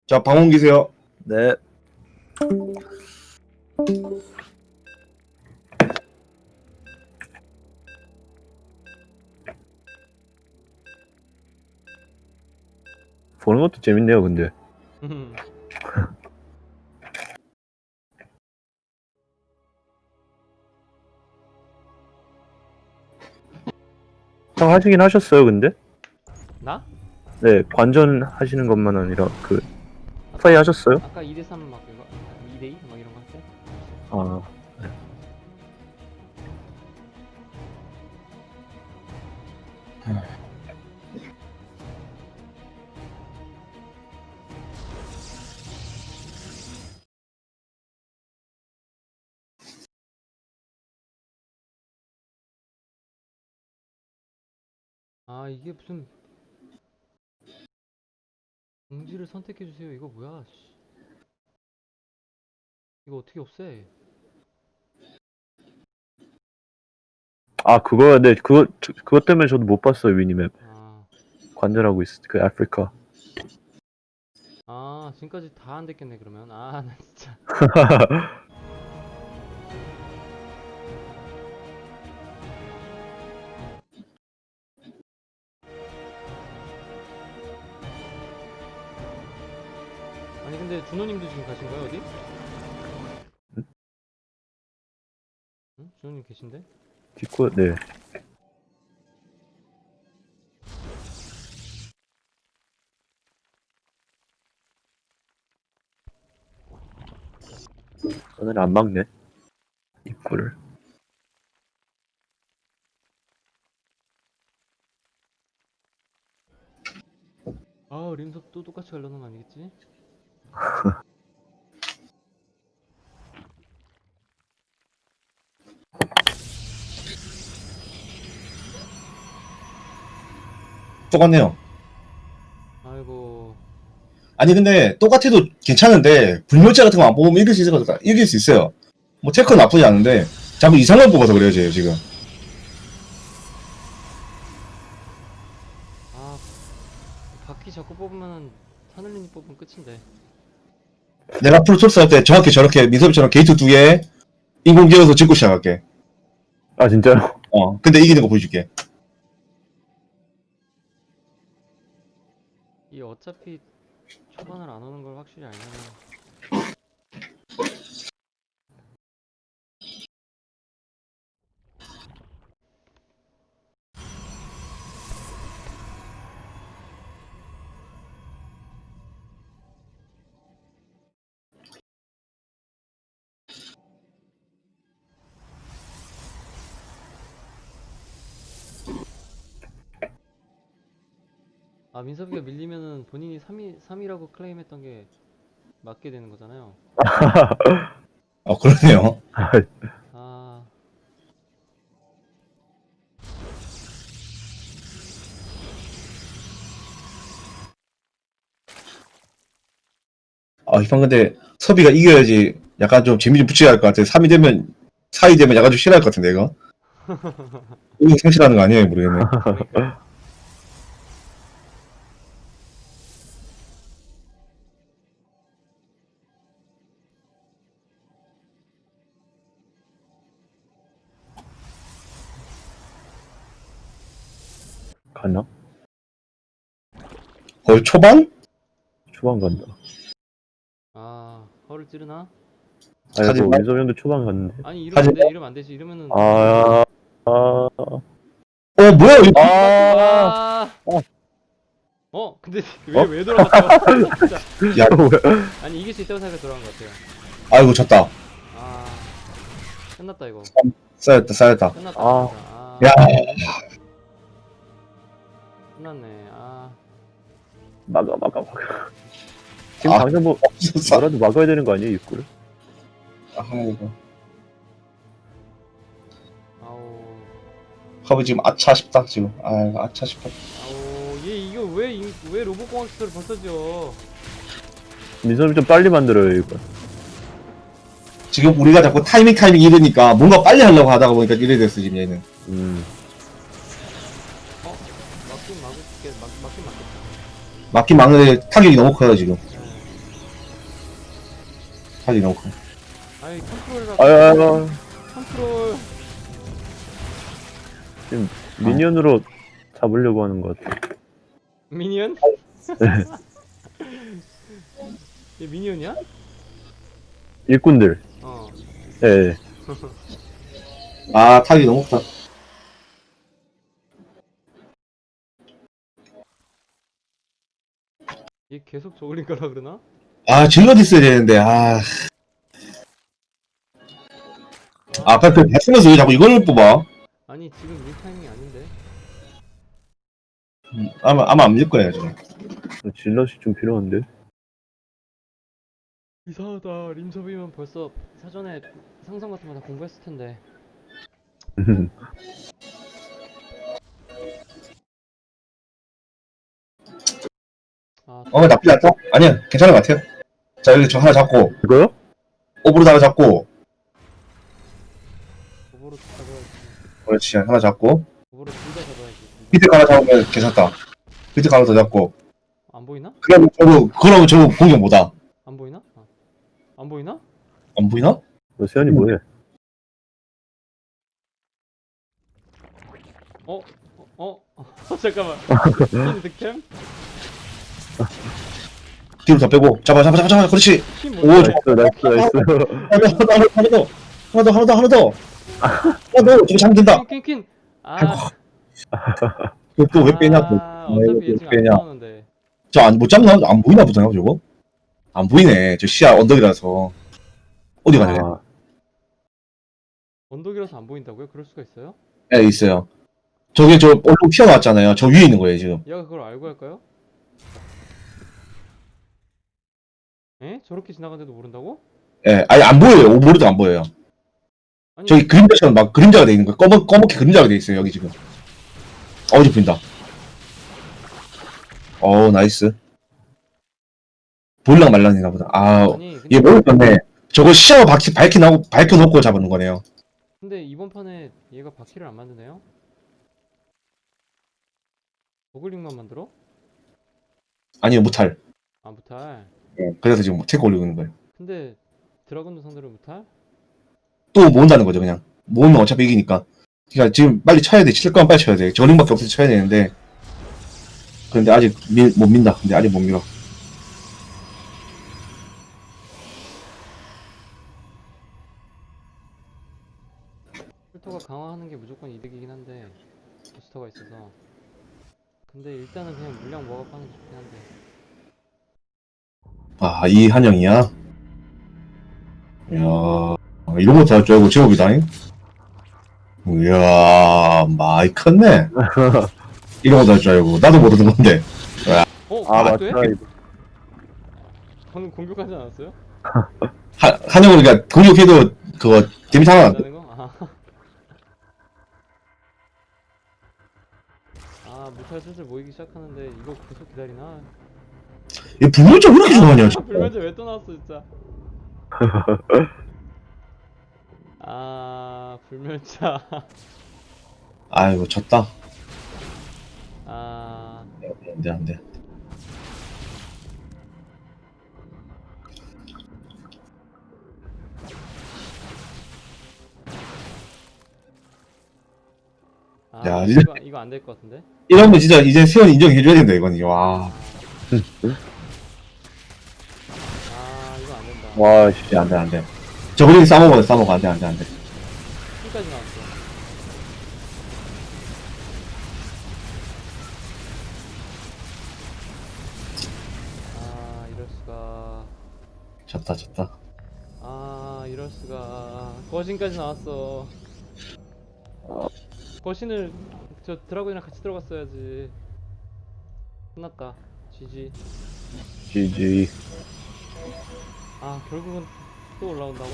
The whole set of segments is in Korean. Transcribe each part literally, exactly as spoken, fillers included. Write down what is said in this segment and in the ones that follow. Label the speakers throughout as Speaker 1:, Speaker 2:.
Speaker 1: 자, 방문 기세요.
Speaker 2: 네. 보는 것도 재밌네요, 근데. 형 하시긴 하셨어요, 근데?
Speaker 3: 나?
Speaker 2: 네, 관전 하시는 것만 아니라 그 플레이 하셨어요?
Speaker 3: 아까 이 대 삼 막 이거 이 대 이 막 이런 거 할 때?
Speaker 2: 아,
Speaker 3: 아 이게 무슨 공지를 선택해주세요. 이거 뭐야? 씨. 이거 어떻게 없애?
Speaker 2: 아 그거 네 그거 저- 그것 때문에 저도 못 봤어요 미니맵.
Speaker 3: 아,
Speaker 2: 관전하고 있을 그 아프리카.
Speaker 3: 아 지금까지 다 안 됐겠네 그러면. 아 나 진짜. 아니 근데 준호님도 지금 가신 거예요 어디? 응? 준호님 계신데?
Speaker 2: 디코 네. 오늘 안 막네 입구를.
Speaker 3: 아 림섭 또 똑같이 가려는 거 아니겠지?
Speaker 1: 똑같네요.
Speaker 3: 아이고.
Speaker 1: 아니, 근데 똑같아도 괜찮은데, 불멸자 같은 거 안 뽑으면 이길 수 있을 것 같아. 이길 수 있어요. 뭐, 체크는 나쁘지 않은데, 자꾸 이상한 거 뽑아서 그래요, 쟤 지금.
Speaker 3: 아 바퀴 자꾸 뽑으면 하늘님이 뽑으면 끝인데.
Speaker 1: 내가 프로토스 할 때 정확히 저렇게, 민섭이처럼 게이트 두 개, 인공 지어서 짓고 시작할게.
Speaker 2: 아 진짜요?
Speaker 1: 어, 근데 이기는 거 보여줄게.
Speaker 3: 이 어차피 초반을 안 오는 걸 확실히 알면은 아 민섭이가 밀리면은 본인이 삼 위, 삼 위라고 클레임했던 게 맞게 되는 거잖아요.
Speaker 1: 어, 그러네요.
Speaker 3: 아
Speaker 1: 아, 이판 근데, 섭이가 이겨야지, 약간 좀 재미 좀 붙여야 할 것 같아. 삼 위 되면, 사 위 되면 약간 좀 싫어할 것 같은데, 이거? 이거 상실하는 거 아니에요, 모르겠네.
Speaker 3: 그러니까.
Speaker 2: 갔나?
Speaker 1: 거의 초반?
Speaker 2: 초반 간다.
Speaker 3: 아 허를 찌르나?
Speaker 2: 아니 뭐
Speaker 1: 하지만-
Speaker 2: 민섭 형도 초반 갔는데.
Speaker 3: 아니 이러면 안 돼, 이러면 안 되지. 이러면은
Speaker 2: 아, 아,
Speaker 1: 어, 뭐야, 이거?
Speaker 2: 아,
Speaker 3: 아. 어? 근데 왜 왜 돌아갔어? 진짜.
Speaker 1: 야,
Speaker 3: 아니 이길 수 있다고 생각해 돌아간 것 같아요.
Speaker 1: 아이고, 졌다.
Speaker 3: 아 끝났다 이거.
Speaker 1: 쌓였다, 쌓였다.
Speaker 3: 끝났다.
Speaker 2: 아.
Speaker 3: 진짜. 아.
Speaker 1: 야.
Speaker 3: 끝났네. 아
Speaker 2: 막아, 막아, 막아. 지금
Speaker 1: 아.
Speaker 2: 당장 뭐
Speaker 1: 없었어.
Speaker 2: 뭐라도 막아야 되는 거 아니에요 입구를?
Speaker 1: 아이고.
Speaker 3: 아우
Speaker 1: 하부 지금 아차 싶다, 지금. 아, 아차 싶다.
Speaker 3: 아우 얘 이거 왜 왜 로봇공학 시설을 벌써 지어?
Speaker 2: 민섭이 좀 빨리 만들어요 이거.
Speaker 1: 지금 우리가 자꾸 타이밍 타이밍 이러니까 뭔가 빨리 하려고 하다가 보니까 이래 됐어, 지금 얘는.
Speaker 2: 음,
Speaker 3: 어? 맞긴 막을게. 막 맞긴 맞겠다.
Speaker 1: 막긴 막는데 타격이 너무 커요, 지금.
Speaker 3: 네.
Speaker 1: 타지 너무 커.
Speaker 3: 아이 컨트롤이라.
Speaker 2: 아야,
Speaker 3: 컨트롤.
Speaker 2: 지금 미니언으로 잡으려고 하는 것 같아.
Speaker 3: 미니언? 얘 미니언이야?
Speaker 2: 일꾼들.
Speaker 3: 어.
Speaker 2: 예.
Speaker 1: 아, 타기 너무 크다.
Speaker 3: 얘 계속 저글링 가라 그러나?
Speaker 1: 아, 질럿 있어야 되는데, 아. 아, 빨리 그 쓰면서 왜 자꾸 이걸 뽑아?
Speaker 3: 아니 지금 이 타이밍이 아닌데.
Speaker 1: 음, 아마, 아마 안 밀 거예요, 지금.
Speaker 2: 질럿이 좀 필요한데.
Speaker 3: 이상하다. 림섭이면 벌써 사전에 상성 같은 거 다 공부했을 텐데. 아,
Speaker 1: 어, 나쁘지 않다? 아니야, 괜찮은 것 같아요. 자, 여기 저 하나 잡고,
Speaker 2: 이거요?
Speaker 1: 오브로드 하나 잡고,
Speaker 3: 오버로 잡아야지.
Speaker 1: 그렇지, 하나 잡고,
Speaker 3: 오버로 둘 다 잡아야지.
Speaker 1: 밑에 거 하나 잡으면 괜찮다. 밑에 거 하나 더 잡고,
Speaker 3: 안 보이나?
Speaker 1: 그러면 저거, 그러면 저거 공격 못하.
Speaker 3: 안 보이나? 아. 안 보이나?
Speaker 1: 안 보이나?
Speaker 2: 너 세연이 뭐해?
Speaker 3: 어? 어? 어? 잠깐만. 퀸 득템?
Speaker 1: 뒤로 더 빼고, 잡아, 잡아, 잡아, 잡아, 그렇지.
Speaker 3: 퀸
Speaker 1: 오,
Speaker 3: 못
Speaker 1: 좋아.
Speaker 2: 나이스, 나이스, 나이스.
Speaker 1: 하나 더, 하나 더, 하나 더, 하나 더, 하나 더. 하나 더, 저거 잡으면 된다.
Speaker 3: 퀸, 퀸, 퀸. 아,
Speaker 1: 또 왜 빼냐, 또.
Speaker 3: 아, 어차피 얘
Speaker 1: 왜
Speaker 3: 지금 안
Speaker 1: 빼냐.
Speaker 3: 나오는데.
Speaker 1: 저 안, 못 잡나? 안 보이나 보잖아, 저거? 안 보이네. 저 시야 언덕이라서. 어디 가냐?
Speaker 2: 아,
Speaker 3: 언덕이라서 안 보인다고요? 그럴 수가 있어요?
Speaker 1: 예, 있어요. 저게 저 얼룩 튀어나왔잖아요. 저 위에 있는 거예요, 지금.
Speaker 3: 얘가 그걸 알고 할까요? 에? 저렇게 지나가는데도 모른다고?
Speaker 1: 예, 아니, 안 보여요. 오버로드 안 보여요.
Speaker 3: 아니,
Speaker 1: 저기 그림자처럼 막 그림자가 돼 있는 거예요. 검은, 검게 그림자가 돼 있어요, 여기 지금. 어디 보인다. 어 나이스. 보일랑 말랑이나 보다. 아,
Speaker 3: 아니, 근데,
Speaker 1: 얘 모르겠네. 저거 시야로 밝히, 밝히 나고, 밝혀놓고 잡는 거네요.
Speaker 3: 근데 이번 판에 얘가 바퀴를 안 만드네요? 버글링만 만들어?
Speaker 1: 아니요, 무탈.
Speaker 3: 아, 무탈.
Speaker 1: 예, 그래서 지금 체크 올리고 있는 거예요.
Speaker 3: 근데 드라곤도 상대로 무탈?
Speaker 1: 또 모은다는 거죠, 그냥. 모으면 어차피 이기니까. 그러니까 지금 빨리 쳐야 돼. 칠 거면 빨리 쳐야 돼. 저링밖에 없어서 쳐야 되는데. 그런데 아직 밀, 못 민다. 근데 아직 못 밀어.
Speaker 3: 풀토가 강화하는 게 무조건 이득이긴 한데 부스터가 있어서. 근데 일단은 그냥 물량 모아갖고 하는 게 좋긴 한데.
Speaker 1: 아, 이 한영이야? 이야, 이런 거 다 할 줄 알고 제법이다잉? 이야, 많이 컸네. 이런 거 다 할 줄 알고. 나도 모르는 건데.
Speaker 3: 어?
Speaker 2: 아,
Speaker 3: 그것도
Speaker 2: 맞다.
Speaker 3: 해?
Speaker 2: 이거.
Speaker 3: 방금 공격하지 않았어요?
Speaker 1: 하, 한영은 그러니까 공격해도 그거 데미지 하나 안 돼.
Speaker 3: 한다는 거? 아. 아, 무탈 슬슬 모이기 시작하는데 이거 계속 기다리나?
Speaker 1: 얘 불멸자 왜 이렇게 좋아하냐,
Speaker 3: 아,
Speaker 1: 진짜.
Speaker 3: 불면제 왜 또 나왔어 진짜. 아, 불멸자.
Speaker 1: 아이고, 졌다.
Speaker 3: 아,
Speaker 1: 안 돼, 안 돼.
Speaker 3: 아
Speaker 1: 야,
Speaker 3: 이거
Speaker 1: 이제-
Speaker 3: 이거 안 될 것 같은데?
Speaker 1: 이러면 진짜 이제 세원 인정해줘야 된다, 이건. 이게. 와.
Speaker 3: 아, 이거 안 된다.
Speaker 2: 와, 씨.
Speaker 1: 안 돼, 안 돼. 저거링 싸먹어, 싸먹어. 안 돼, 안 돼, 안 돼.
Speaker 3: 끝까지 나왔어. 아, 이럴 수가.
Speaker 1: 졌다, 졌다.
Speaker 3: 아, 이럴 수가. 거신까지 나왔어. 거신을 저 드라곤이랑 같이 들어갔어야지. 끝났다. 지지.
Speaker 2: 지지.
Speaker 3: 아, 결국은 또 올라온다고?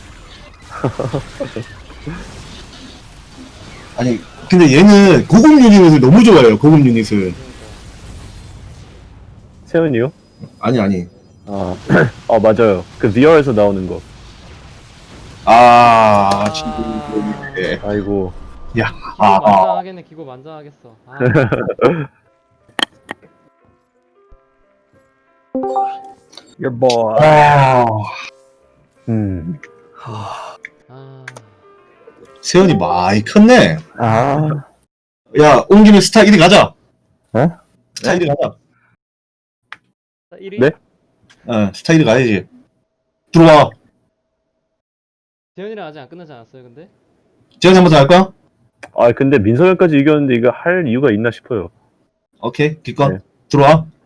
Speaker 1: 아니, 근데 얘는 고급 유닛을 너무 좋아해요, 고급 유닛을.
Speaker 3: 그러니까.
Speaker 2: 세연이요?
Speaker 1: 아니, 아니.
Speaker 2: 아, 어, 맞아요. 그 비어에서 나오는 거.
Speaker 1: 아,
Speaker 3: 아.
Speaker 1: 진짜. 예.
Speaker 2: 아이고.
Speaker 1: 야,
Speaker 3: 기고
Speaker 1: 아, 아.
Speaker 3: 만장하겠네. 기고 만장하겠어. 아,
Speaker 2: Your boy.
Speaker 1: 아.
Speaker 2: 음.
Speaker 3: 아,
Speaker 1: 세연이 많이 컸네.
Speaker 2: 아.
Speaker 1: 야, 온 김에 스타 일 위 가자.
Speaker 2: 어?
Speaker 1: 스타 일 위 가자.
Speaker 3: 일 위?
Speaker 2: 네?
Speaker 1: 어, 스타 일 위 가야지. 들어와.
Speaker 3: 재현이랑 아직 안 끝나지 않았어요, 근데?
Speaker 1: 재현이 한 번 더 할 거야?
Speaker 2: 아, 근데 민성현까지 이겼는데 이거 할 이유가 있나 싶어요.
Speaker 1: 오케이, 기껏.
Speaker 2: 네.
Speaker 1: 들어와.